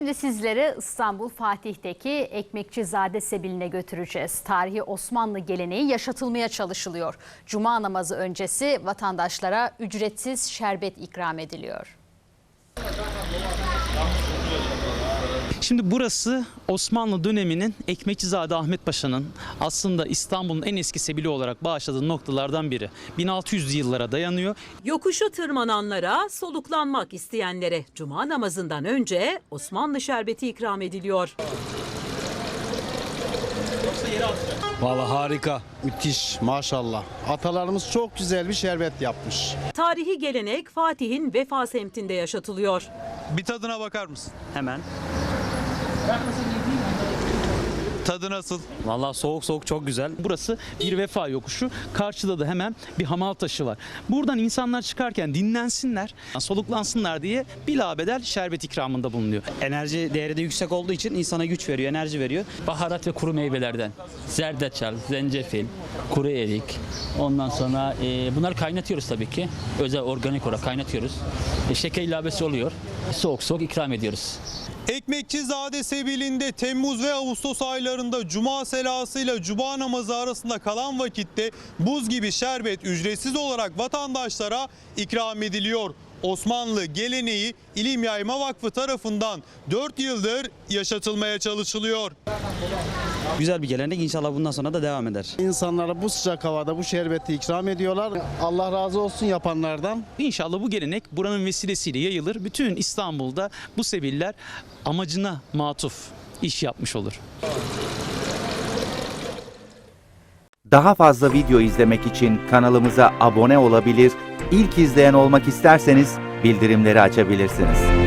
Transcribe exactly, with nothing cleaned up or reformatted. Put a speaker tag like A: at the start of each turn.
A: Şimdi sizleri İstanbul Fatih'teki Ekmekçizade Sebili'ne götüreceğiz. Tarihi Osmanlı geleneği yaşatılmaya çalışılıyor. Cuma namazı öncesi vatandaşlara ücretsiz şerbet ikram ediliyor.
B: Şimdi burası Osmanlı döneminin Ekmekçizade Ahmet Paşa'nın aslında İstanbul'un en eski sebili olarak bağışladığı noktalardan biri. bin altı yüzlü yıllara dayanıyor.
C: Yokuşu tırmananlara, soluklanmak isteyenlere cuma namazından önce Osmanlı şerbeti ikram ediliyor.
D: Vallahi harika, müthiş, maşallah. Atalarımız çok güzel bir şerbet yapmış.
C: Tarihi gelenek Fatih'in Vefa semtinde yaşatılıyor.
E: Bir tadına bakar mısın?
F: Hemen.
E: Tadı nasıl?
F: Vallahi soğuk soğuk çok güzel.
B: Burası bir vefa yokuşu. Karşıda da hemen bir hamal taşı var. Buradan insanlar çıkarken dinlensinler, soluklansınlar diye bilabedel şerbet ikramında bulunuyor.
F: Enerji değeri de yüksek olduğu için insana güç veriyor, enerji veriyor.
G: Baharat ve kuru meyvelerden zerdeçal, zencefil, kuru erik. Ondan sonra e, bunları kaynatıyoruz tabii ki. Özel organik olarak kaynatıyoruz. E, şeker ilavesi oluyor. Soğuk soğuk ikram ediyoruz.
E: Ekmekçizade Sebili'nde Temmuz ve Ağustos aylarında Cuma selasıyla Cuma namazı arasında kalan vakitte buz gibi şerbet ücretsiz olarak vatandaşlara ikram ediliyor. Osmanlı geleneği İlim Yayma Vakfı tarafından dört yıldır yaşatılmaya çalışılıyor.
F: Güzel bir gelenek, inşallah bundan sonra da devam eder.
D: İnsanlara bu sıcak havada bu şerbeti ikram ediyorlar. Allah razı olsun yapanlardan.
B: İnşallah bu gelenek buranın vesilesiyle yayılır. Bütün İstanbul'da bu sebiller amacına matuf iş yapmış olur.
H: Daha fazla video izlemek için kanalımıza abone olabilir, İlk izleyen olmak isterseniz bildirimleri açabilirsiniz.